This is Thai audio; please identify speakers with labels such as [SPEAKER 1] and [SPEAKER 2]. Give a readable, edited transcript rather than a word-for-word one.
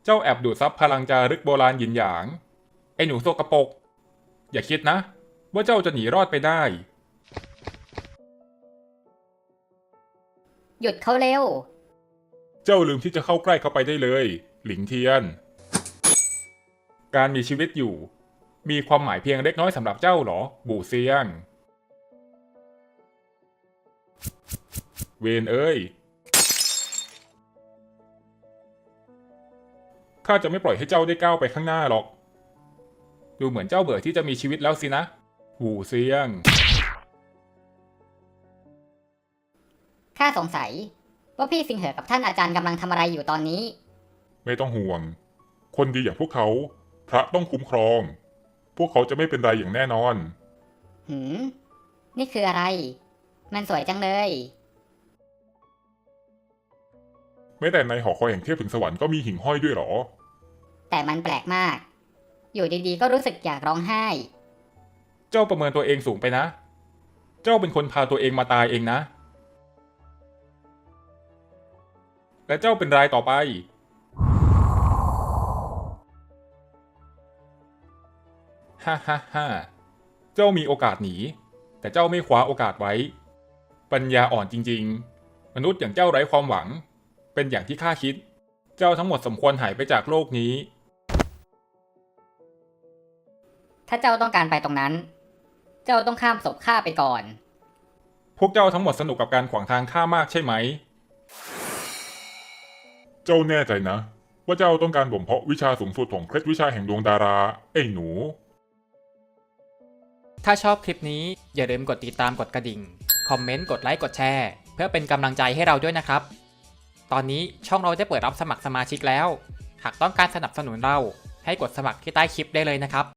[SPEAKER 1] เจ้าแอบดูดซับพลังจารึกโบราณหยินหยางไอ้หนูโสกปรกอย่าคิดนะว่าเจ้าจะหนีรอดไปได้
[SPEAKER 2] หยุดเขาเร็ว
[SPEAKER 1] เจ้าลืมที่จะเข้าใกล้เข้าไปได้เลยหลิงเทียนการมีชีวิตอยู่มีความหมายเพียงเล็กน้อยสำหรับเจ้าหรอบู่เซียงเวนเอ้ยข้าจะไม่ปล่อยให้เจ้าได้ก้าวไปข้างหน้าหรอกดูเหมือนเจ้าเบื่อที่จะมีชีวิตแล้วสินะบู่เซียง
[SPEAKER 2] ข้าสงสัยว่าพี่สิงเหอกับท่านอาจารย์กำลังทำอะไรอยู่ตอนนี้
[SPEAKER 1] ไม่ต้องห่วงคนดีอย่างพวกเขาพระต้องคุ้มครองพวกเขาจะไม่เป็นไรอย่างแน่นอน
[SPEAKER 2] นี่คืออะไรมันสวยจังเลย
[SPEAKER 1] แม้แต่ในหอคอยแห่งเทพถึงสวรรค์ก็มีหิ่งห้อยด้วยหรอ
[SPEAKER 2] แต่มันแปลกมากอยู่ดีๆก็รู้สึกอยากร้องไห้
[SPEAKER 1] เจ้าประเมินตัวเองสูงไปนะเจ้าเป็นคนพาตัวเองมาตายเองนะและเจ้าเป็นรายต่อไปฮ่าฮ่าฮ่าเจ้ามีโอกาสหนีแต่เจ้าไม่คว้าโอกาสไว้ปัญญาอ่อนจริงๆมนุษย์อย่างเจ้าไร้ความหวังเป็นอย่างที่ข้าคิดเจ้าทั้งหมดสมควรหายไปจากโลกนี้
[SPEAKER 2] ถ้าเจ้าต้องการไปตรงนั้นเจ้าต้องข้ามศพข้าไปก่อน
[SPEAKER 1] พวกเจ้าทั้งหมดสนุกกับการขวางทางข้ามากใช่ไหมเจ้าแน่ใจนะว่าเจ้าต้องการบ่มเพาะวิชาสูงสุดของเคล็ดวิชาแห่งดวงดาราไอ้หนู
[SPEAKER 3] ถ้าชอบคลิปนี้อย่าลืมกดติดตามกดกระดิ่งคอมเมนต์กดไลค์กดแชร์เพื่อเป็นกำลังใจให้เราด้วยนะครับตอนนี้ช่องเราได้เปิดรับสมัครสมาชิกแล้วหากต้องการสนับสนุนเราให้กดสมัครที่ใต้คลิปได้เลยนะครับ